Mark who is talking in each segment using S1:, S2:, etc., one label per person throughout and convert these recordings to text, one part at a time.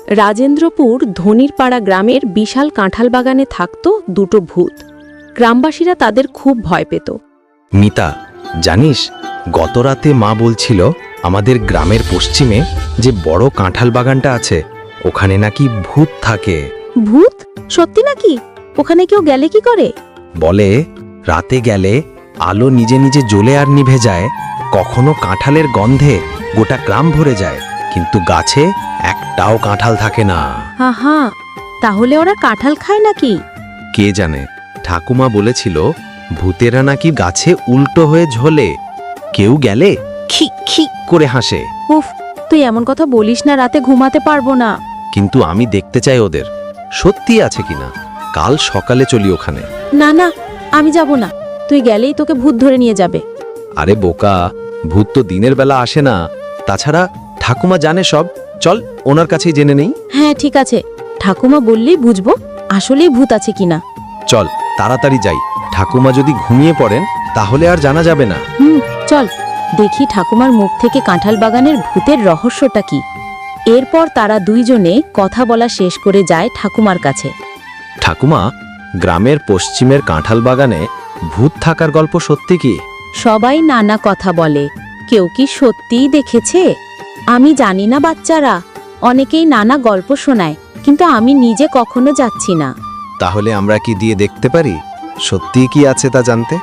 S1: রাজেন্দ্রপুর ধনিরপাড়া গ্রামের বিশাল কাঁঠাল বাগানে থাকত দুটো ভূত। গ্রামবাসীরা তাদের খুব ভয় পেত।
S2: মিতা, জানিস গতরাতে মা বলছিল আমাদের গ্রামের পশ্চিমে যে বড় কাঁঠাল বাগানটা আছে ওখানে নাকি ভূত থাকে।
S1: ভূত? সত্যি নাকি? ওখানে কেউ গেলে কি করে?
S2: বলে রাতে গেলে আলো নিজে নিজে জ্বলে আর নিভে যায়, কখনো কাঁঠালের গন্ধে গোটা গ্রাম ভরে যায়, কিন্তু গাছে একটাও কাঁঠাল থাকে না।
S1: হা, তাহলে ওরা কাঁঠাল খায় নাকি?
S2: কে জানে, ঠাকুমা বলেছিল ভূতেরা নাকি গাছে উল্টো হয়ে ঝোলে, কেউ গেলে খি খি করে হাসে।
S1: উফ, তুই এমন কথা বলিস না, রাতে ঘুমাতে পারবো না।
S2: কিন্তু আমি দেখতে চাই ওদের সত্যি আছে কিনা। কাল সকালে চলি ওখানে।
S1: না না, আমি যাব না। তুই গেলেই তোকে ভূত ধরে নিয়ে যাবে।
S2: আরে বোকা, ভূত তো দিনের বেলা আসে না। তাছাড়া ঠাকুমা জানে সব, চল ওনার কাছেই জেনে নেই।
S1: হ্যাঁ ঠিক আছে, ঠাকুমা বললেই বুঝবো আসলেই ভূত আছে কিনা।
S2: চল তাড়াতাড়ি যাই, ঠাকুমা যদি ঘুমিয়ে পড়েন তাহলে আর জানা যাবে না।
S1: চল দেখি ঠাকুমার মুখ থেকে কাঁঠাল বাগানের ভূতের রহস্যটা কি। এরপর তারা দুইজনে কথা বলা শেষ করে যায় ঠাকুমার কাছে।
S2: ঠাকুমা, গ্রামের পশ্চিমের কাঁঠাল বাগানে ভূত থাকার গল্প সত্যি কি?
S1: সবাই নানা কথা বলে, কেউ কি সত্যিই দেখেছে আমি জানি না বাচ্চারা। অনেকেই নানা গল্প শোনায়, কিন্তু আমি নিজে কখনো যাচ্ছি না।
S2: তাহলে আমরা কি দিয়ে দেখতে পারি সত্যি কি আছে তা জানতে?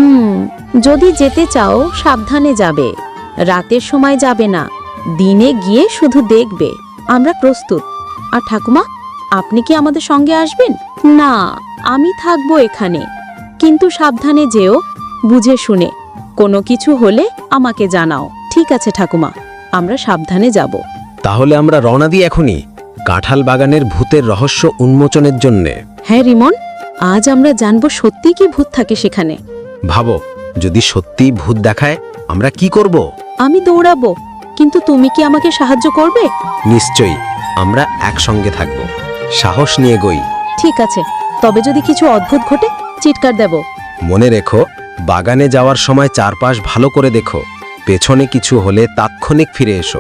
S1: যদি যেতে চাও সাবধানে যাবে, রাতের সময় যাবে না, দিনে গিয়ে শুধু দেখবে। আমরা প্রস্তুত। আর ঠাকুমা, আপনি কি আমাদের সঙ্গে আসবেন? না, আমি থাকবো এখানে, কিন্তু সাবধানে যেও, বুঝে শুনে। কোনো কিছু হলে আমাকে জানাও। ঠিক আছে ঠাকুমা, আমরা সাবধানে যাব।
S2: তাহলে আমরা রওনা দিই এখনই কাঁঠাল বাগানের ভূতের রহস্য উন্মোচনের জন্যে।
S1: হ্যাঁ রিমন, আজ আমরা জানবো সত্যি কি ভূত থাকে সেখানে।
S2: ভাবো, যদি সত্যি ভূত দেখায় আমরা কি করব?
S1: আমি দৌড়াবো, কিন্তু তুমি কি আমাকে সাহায্য করবে?
S2: নিশ্চয়ই, আমরা একসঙ্গে থাকব। সাহস নিয়ে গই।
S1: ঠিক আছে, তবে যদি কিছু অদ্ভুত ঘটে চিৎকার দেব।
S2: মনে রেখো, বাগানে যাওয়ার সময় চারপাশ ভালো করে দেখো, পেছনে কিছু হলে তাৎক্ষণিক ফিরে এসো।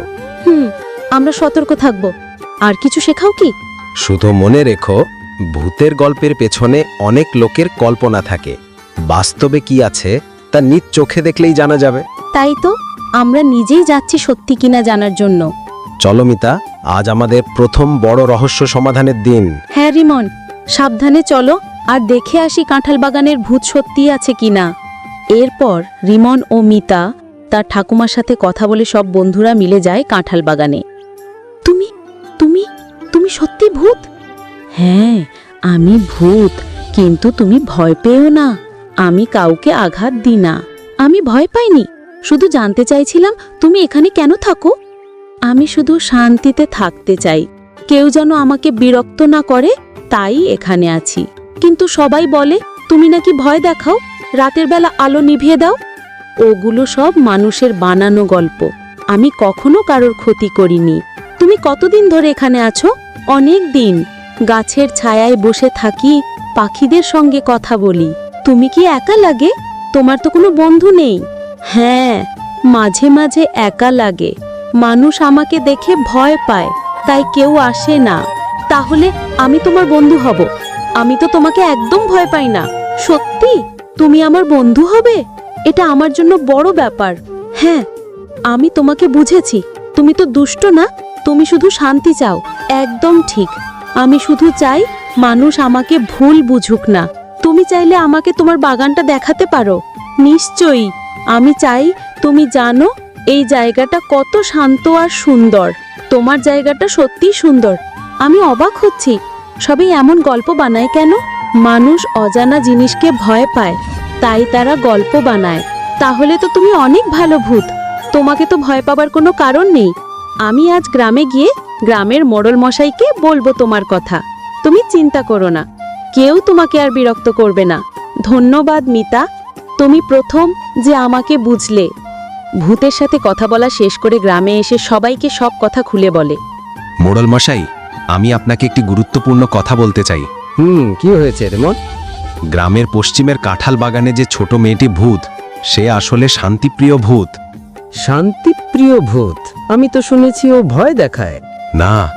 S1: আমরা সতর্ক থাকব। আর কিছু শেখাও কি?
S2: শুধু মনে রেখো, ভূতের গল্পের পেছনে অনেক লোকের কল্পনা থাকে, বাস্তবে কি আছে তা নিজ চোখে দেখলেই জানা যাবে।
S1: তাই তো, আমরা নিজেই যাচ্ছি সত্যি কিনা জানার জন্য।
S2: চলো মিতা, আজ আমাদের প্রথম বড় রহস্য সমাধানের দিন।
S1: হ্যাঁ রিমন, সাবধানে চলো, আর দেখে আসি কাঁঠাল বাগানের ভূত সত্যি আছে কিনা। এরপর রিমন ও মিতা তার ঠাকুমার সাথে কথা বলে সব বন্ধুরা মিলে যায় কাঁঠাল বাগানে। তুমি তুমি তুমি সত্যি ভূত? হ্যাঁ, আমি ভূত, কিন্তু তুমি ভয় পেও না। আমি কাউকে আঘাত দিই না। আমি ভয় পাইনি, শুধু জানতে চাইছিলাম তুমি এখানে কেন থাকো। আমি শুধু শান্তিতে থাকতে চাই, কেউ যেন আমাকে বিরক্ত না করে, তাই এখানে আছি। কিন্তু সবাই বলে তুমি নাকি ভয় দেখাও, রাতের বেলা আলো নিভিয়ে দাও। ওগুলো সব মানুষের বানানো গল্প। আমি কখনো কারোর ক্ষতি করিনি। তুমি কতদিন ধরে এখানে আছো? অনেক দিন। গাছের ছায়ায় বসে থাকি, পাখিদের সঙ্গে কথা বলি। তুমি কি একা লাগে? তোমার তো কোনো বন্ধু নেই। হ্যাঁ, মাঝে মাঝে একা লাগে। মানুষ আমাকে দেখে ভয় পায়, তাই কেউ আসে না। তাহলে আমি তোমার বন্ধু হব। আমি তো তোমাকে একদম ভয় পাই না। সত্যি তুমি আমার বন্ধু হবে? এটা আমার জন্য বড় ব্যাপার। হ্যাঁ, আমি তোমাকে বুঝেছি। তুমি তো দুষ্ট না, তুমি শুধু শান্তি চাও। একদম ঠিক, আমি শুধু চাই মানুষ আমাকে ভুল বুঝুক না। তুমি চাইলে আমাকে তোমার বাগানটা দেখাতে পারো। নিশ্চয়ই, আমি চাই তুমি জানো এই জায়গাটা কত শান্ত আর সুন্দর। তোমার জায়গাটা সত্যিই সুন্দর। আমি অবাক হচ্ছি, সবাই এমন গল্প বানায় কেন? মানুষ অজানা জিনিসকে ভয় পায়, তাই তারা গল্প বানায়। তাহলে তো তুমি অনেক ভালো ভূত, তোমাকে তো ভয় পাবার কোনো কারণ নেই। আমি আজ গ্রামে গিয়ে গ্রামের মোড়ল মশাইকে বলবো তোমার কথা। তুমি চিন্তা করো না, কেউ তোমাকে আর বিরক্ত করবে না। ধন্যবাদ মিতা, তুমি প্রথম যে আমাকে বুঝলে। ভূতের সাথে কথা বলা শেষ করে গ্রামে এসে সবাইকে সব কথা খুলে বলে।
S2: মোড়ল মশাই, আমি আপনাকে একটি গুরুত্বপূর্ণ কথা বলতে চাই।
S3: কি হয়েছে রেমন?
S2: গ্রামের পশ্চিমের কাঁঠাল বাগানে যে ছোট মেয়েটি ভূত, সে আসলে শান্তিপ্রিয় ভূত।
S3: শান্তিপ্রিয় ভূত? আমি তো শুনেছি ও ভয় দেখায়।
S2: না,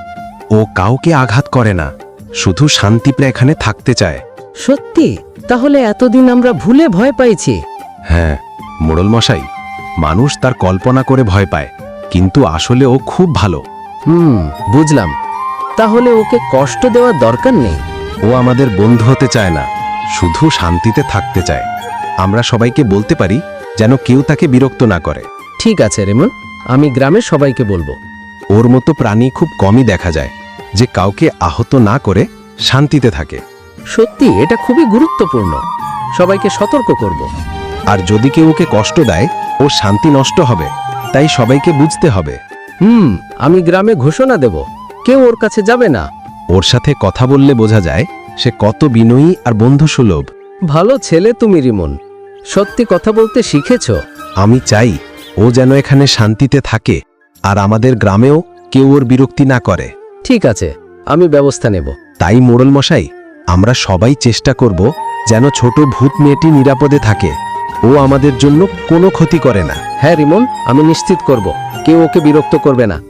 S2: ও কাউকে আঘাত করে না, শুধু শান্তিপ্রে এখানে থাকতে চায়।
S3: সত্যি? তাহলে এতদিন আমরা ভুলে ভয় পাইছি।
S2: হ্যাঁ মোড়ল মশাই, মানুষ তার কল্পনা করে ভয় পায়, কিন্তু আসলে ও খুব ভালো।
S3: বুঝলাম। তাহলে ওকে কষ্ট দেওয়ার দরকার নেই।
S2: ও আমাদের বন্ধু হতে চায় না, শুধু শান্তিতে থাকতে চায়। আমরা সবাইকে বলতে পারি যেন কেউ তাকে বিরক্ত না করে।
S3: ঠিক আছে রেমন, আমি গ্রামের সবাইকে বলবো।
S2: ওর মতো প্রাণী খুব কমই দেখা যায় যে কাউকে আহত না করে শান্তিতে থাকে।
S3: সত্যি এটা খুবই গুরুত্বপূর্ণ। সবাইকে সতর্ক করব।
S2: আর যদি কেউ ওকে কষ্ট দেয়, ও শান্তি নষ্ট হবে, তাই সবাইকে বুঝতে হবে।
S3: আমি গ্রামে ঘোষণা দেব, কেউ ওর কাছে যাবে না।
S2: ওর সাথে কথা বললে বোঝা যায় সে কত বিনয়ী আর বন্ধুসুলভ।
S3: ভালো ছেলে তুমি রিমন, সত্যি কথা বলতে শিখেছো।
S2: আমি চাই ও যেন এখানে শান্তিতে থাকে, আর আমাদের গ্রামেও কেউ ওর বিরক্তি না করে।
S3: ঠিক আছে, আমি ব্যবস্থা নেব।
S2: তাই মোড়ল মশাই, আমরা সবাই চেষ্টা করব যেন ছোট ভূত মেয়েটি নিরাপদে থাকে। ও আমাদের জন্য কোনো ক্ষতি করে না।
S3: হ্যাঁ রিমন, আমি নিশ্চিত করব কেউ ওকে বিরক্ত করবে না।